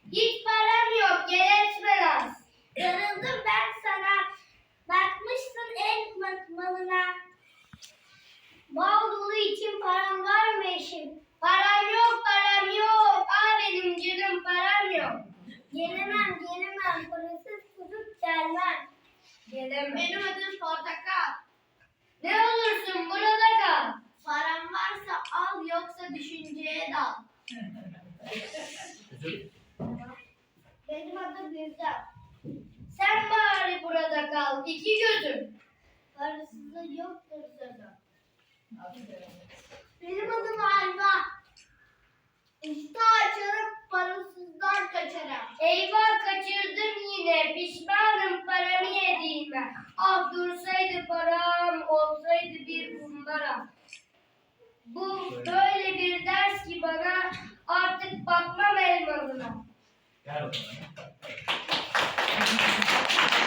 Hiç param yok, gel etme naz. Darıldım ben sana. Bakmışsın el malına. Bal dolu için param var mı eşim? Param yok, param yok. Aa benim canım param yok. Gelemem, gelemem. Parasız kuzup gelmem. Gelemem. Benim adım Portakal. Ne olursun burada kal. Param varsa al, yoksa düşünceye dal. Benim adım Gülcan. Sen bari burada kal, iki gözüm. Parasızlığı yoktur sözüm. Benim adım Ayva. İşte açarım, parasızdan kaçarım. Eyvah, kaçırdım yine, pişmanım paramı yediğime. Ah dursaydı param, olsaydı bir kumbara. Bu böyle bir ders ki bana, artık bakmam elmalına. Gel bakalım.